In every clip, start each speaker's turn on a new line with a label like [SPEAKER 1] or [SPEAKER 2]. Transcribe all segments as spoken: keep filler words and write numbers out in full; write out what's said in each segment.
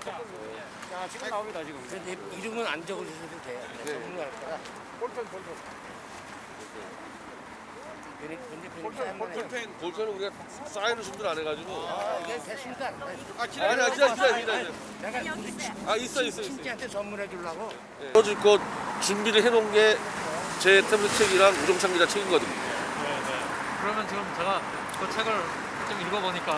[SPEAKER 1] 자, 지금 나옵니다, 지금. 근데 이름은 안 적어주셔도 돼요.
[SPEAKER 2] 네.
[SPEAKER 1] 전문할 거라.
[SPEAKER 3] 볼펜 볼펜
[SPEAKER 1] 근데 근데
[SPEAKER 3] 볼펜 볼펜
[SPEAKER 2] 볼펜, 볼펜은 우리가 사인을 준비를 안 해가지고.
[SPEAKER 1] 아, 이게 됐습니다.
[SPEAKER 2] 아, 기다려, 기다려, 기다려, 기다려.
[SPEAKER 1] 내가 우리
[SPEAKER 2] 아, 있어, 있어, 있어.
[SPEAKER 1] 친지한테 선물해 주려고.
[SPEAKER 2] 떨어질 거 준비를 해놓은 게 제 태블릿 책이랑 우정창 기자 책이거든요.
[SPEAKER 4] 네, 네. 그러면 지금 제가 그 책을 좀 읽어보니까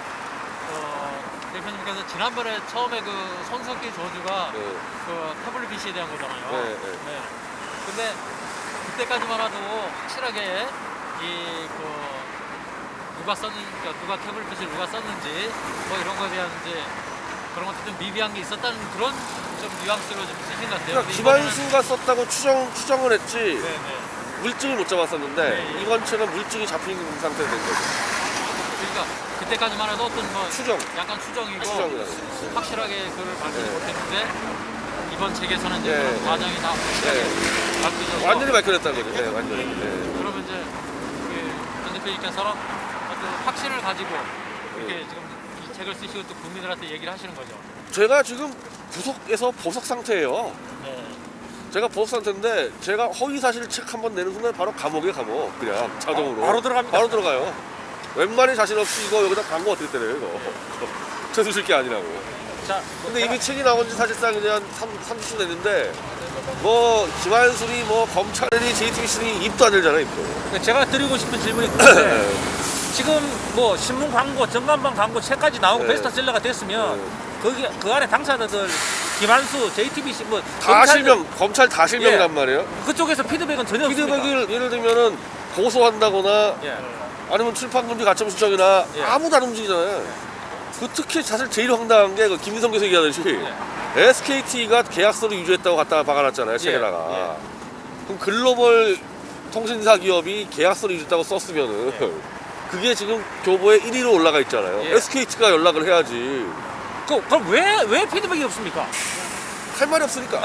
[SPEAKER 4] 어, 대표님께서 지난번에 처음에 그 손석희 저주가
[SPEAKER 2] 네.
[SPEAKER 4] 그 태블릿 피시에 대한 거잖아요.
[SPEAKER 2] 네, 네.
[SPEAKER 4] 근데 그때까지만 해도 확실하게 이 그 누가 썼는지, 그러니까 누가 태블릿 피시를 누가 썼는지 뭐 이런 거에 대한 이제 그런 것도 좀 미비한 게 있었다는 그런 좀 뉘앙스로 좀 쓰신 것 같아요.
[SPEAKER 2] 그러니까 김한수가 썼다고 추정, 추정을 했지
[SPEAKER 4] 네네.
[SPEAKER 2] 물증을 못 잡았었는데
[SPEAKER 4] 네.
[SPEAKER 2] 이번 책은 물증이 잡힌 상태가 된 거죠.
[SPEAKER 4] 그러니까 그때까지만 해도 어떤 뭐
[SPEAKER 2] 추정.
[SPEAKER 4] 약간 추정이고
[SPEAKER 2] 추정이라고.
[SPEAKER 4] 확실하게 그걸 밝히지
[SPEAKER 2] 네.
[SPEAKER 4] 못했는데 이번 책에서는 이제
[SPEAKER 2] 네.
[SPEAKER 4] 그런 과정이 다 확실하게
[SPEAKER 2] 네.
[SPEAKER 4] 밝혀져서
[SPEAKER 2] 완전히 밝혀냈다는 거죠. 네, 완전히. 네.
[SPEAKER 4] 그러면 이제 그전 대표님께서는 어떤 확신을 가지고 이렇게
[SPEAKER 2] 네.
[SPEAKER 4] 지금 이 책을 쓰시고 또 국민들한테 얘기를 하시는 거죠.
[SPEAKER 2] 제가 지금 구속에서 보석 상태예요.
[SPEAKER 4] 네.
[SPEAKER 2] 제가 보석 상태인데 제가 허위 사실 책 한 번 내는 순간 바로 감옥에 감옥 그냥 자동으로
[SPEAKER 1] 바로 들어갑니다.
[SPEAKER 2] 바로 들어가요. 웬만히 자신 없이 이거 여기다 광고 어떻게 때려요 이거. 쳐주실 게 아니라고.
[SPEAKER 1] 자,
[SPEAKER 2] 근데 이미 책이 나온 지 사실상 이제 한 삼 주 됐는데 뭐 김한술이 뭐 검찰이 제이티비씨니 입도 안 열잖아 입도.
[SPEAKER 5] 제가 드리고 싶은 질문이 그건데 지금 뭐 신문 광고, 전간판 광고 책까지 나오고
[SPEAKER 2] 네.
[SPEAKER 5] 베스트셀러가 됐으면
[SPEAKER 2] 네.
[SPEAKER 5] 거기 그 안에 당사자들 김한수, 제이티비씨 뭐
[SPEAKER 2] 다
[SPEAKER 5] 검찰들-
[SPEAKER 2] 실명, 검찰 다 실명이란 말이에요.
[SPEAKER 5] 그쪽에서 피드백은 전혀 없습니까?
[SPEAKER 2] 피드백을 예를 들면은 고소한다거나
[SPEAKER 5] 예.
[SPEAKER 2] 아니면 출판금지 가처분 신청이나
[SPEAKER 5] 예.
[SPEAKER 2] 아무도 안 움직이잖아요. 그 특히 사실 제일 황당한 게 그 김민성 교수 얘기하듯이 에스케이티가 계약서를 유죄했다고 갖다가 박아놨잖아요 책에다가.
[SPEAKER 5] 예.
[SPEAKER 2] 그럼 글로벌 통신사 기업이 계약서를 유죄했다고 썼으면은 그게 지금 교보에 일 위로 올라가 있잖아요.
[SPEAKER 5] 예.
[SPEAKER 2] 에스케이티가 연락을 해야지.
[SPEAKER 5] 그, 그럼 왜, 왜 피드백이 없습니까?
[SPEAKER 2] 할 말이 없으니까.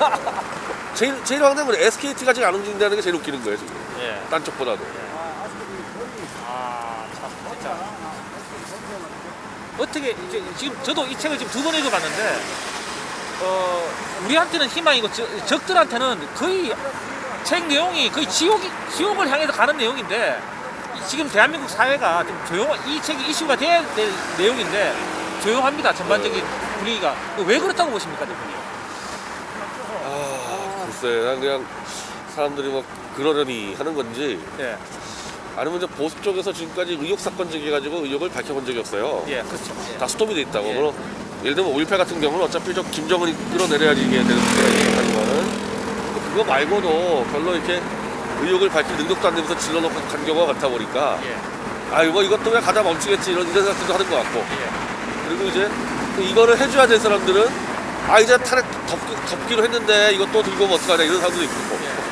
[SPEAKER 2] 제일 제일 황당한 건 에스케이티가 지금 안 움직인다는 게 제일 웃기는 거예요 지금.
[SPEAKER 5] 예.
[SPEAKER 2] 딴 쪽보다도.
[SPEAKER 5] 아, 참, 진짜. 어떻게, 이제 지금 저도 이 책을 지금 두 번 읽어봤는데, 어, 우리한테는 희망이고, 저, 적들한테는 거의 책 내용이 거의 지옥이, 지옥을 향해서 가는 내용인데, 이- 지금 대한민국 사회가 좀 조용, 이 책이 이슈가 돼야 될 내용인데, 조용합니다, 전반적인 분위기가. 왜 그렇다고 보십니까, 대표님?
[SPEAKER 2] 아, 글쎄, 난 그냥 사람들이 뭐 그러려니 하는 건지
[SPEAKER 5] 예,
[SPEAKER 2] 아니면 이제 보수 쪽에서 지금까지 의혹 사건 제기해가지고 의혹을 밝혀본 적이 없어요.
[SPEAKER 5] 예, 그렇죠. 예.
[SPEAKER 2] 다 스톱이 돼 있다고.
[SPEAKER 5] 예.
[SPEAKER 2] 물론 예를 들면 오일팔 같은 경우는 어차피 저 김정은이 끌어내려야지 이게 되는 거예요. 하지만은 그거 말고도 별로 이렇게 의혹을 밝힐 능력도 안 되면서 질러놓고 간 경우가 같아 보니까
[SPEAKER 5] 예,
[SPEAKER 2] 아유 뭐 이것도 왜 가다 멈추겠지 이런 이런 생각도 하는 것 같고
[SPEAKER 5] 예.
[SPEAKER 2] 그리고 이제 이거를 해줘야 될 사람들은 아 이제 탄핵 덮, 덮기로 했는데 이것도 들고 오면 어떡하냐 이런 사람도 있고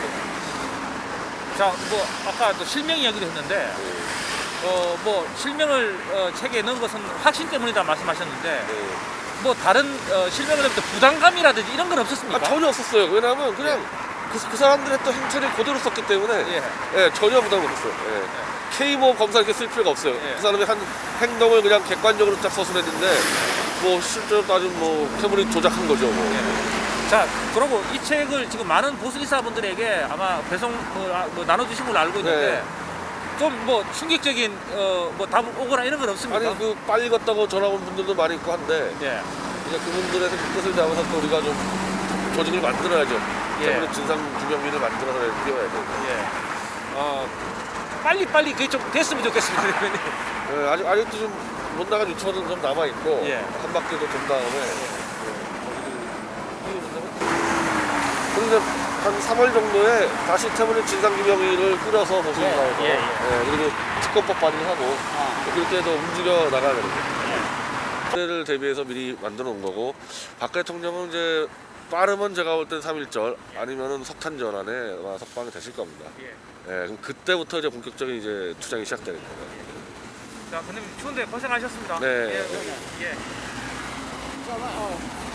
[SPEAKER 5] 자, 뭐 아까 또 실명 이야기도 했는데, 어, 뭐 실명을 어, 책에 넣은 것은 확신 때문이다 말씀하셨는데,
[SPEAKER 2] 네.
[SPEAKER 5] 뭐 다른 어, 실명을 할때 부담감이라든지 이런 건 없었습니까?
[SPEAKER 2] 아, 전혀 없었어요. 왜냐하면 그냥 그, 그 사람들의 또 행태를 그대로 썼기 때문에
[SPEAKER 5] 예.
[SPEAKER 2] 예, 전혀 부담 없었어요. 예. K모 검사 이렇게 쓸 필요가 없어요.
[SPEAKER 5] 예.
[SPEAKER 2] 그 사람의 한 행동을 그냥 객관적으로 딱 서술했는데 뭐 실제로 따지면 뭐 태블릿 조작한 거죠. 뭐.
[SPEAKER 5] 자, 그리고 이 책을 지금 많은 보수 기사분들에게 아마 배송 뭐, 아, 뭐 나눠주신 걸로 알고 있는데,
[SPEAKER 2] 네.
[SPEAKER 5] 좀 뭐 충격적인 어, 뭐 답 오거나 이런 건 없습니까?
[SPEAKER 2] 아니 그 빨리 걷다고 전화 온 분들도 많이 있고 한데
[SPEAKER 5] 예.
[SPEAKER 2] 이제 그분들의 뜻을 담아서 또 우리가 좀 조직을 만들어야죠.
[SPEAKER 5] 예.
[SPEAKER 2] 태블릿 진상 규명위를 만들어서 뛰어야 돼요.
[SPEAKER 5] 예. 어, 빨리 빨리 그게 좀 됐으면 좋겠습니다, 대표님.
[SPEAKER 2] 예, 아직 아직도 좀 못 나간 유치원은 좀 남아 있고
[SPEAKER 5] 예.
[SPEAKER 2] 한 바퀴 더 돈 다음에 그런데 한 삼월 정도에 다시 태블릿 진상규명위를 꾸려서 보수를
[SPEAKER 5] 예,
[SPEAKER 2] 나와서
[SPEAKER 5] 예, 예.
[SPEAKER 2] 예, 그리고 특검법 발의하고 그렇게 해서 움직여 나가야 되는 거예요. 그때를 대비해서 미리 만들어 놓은 거고 박 대통령은 이제 빠르면 제가 볼 땐 삼일절 아니면은 석탄절 안에 아마 석방이 되실 겁니다.
[SPEAKER 5] 예.
[SPEAKER 2] 예, 그럼 그때부터 이제 본격적인 이제 투쟁이 시작되는 거예요.
[SPEAKER 5] 자, 근데 추운데 고생하셨습니다.
[SPEAKER 2] 네.
[SPEAKER 5] 예. 예.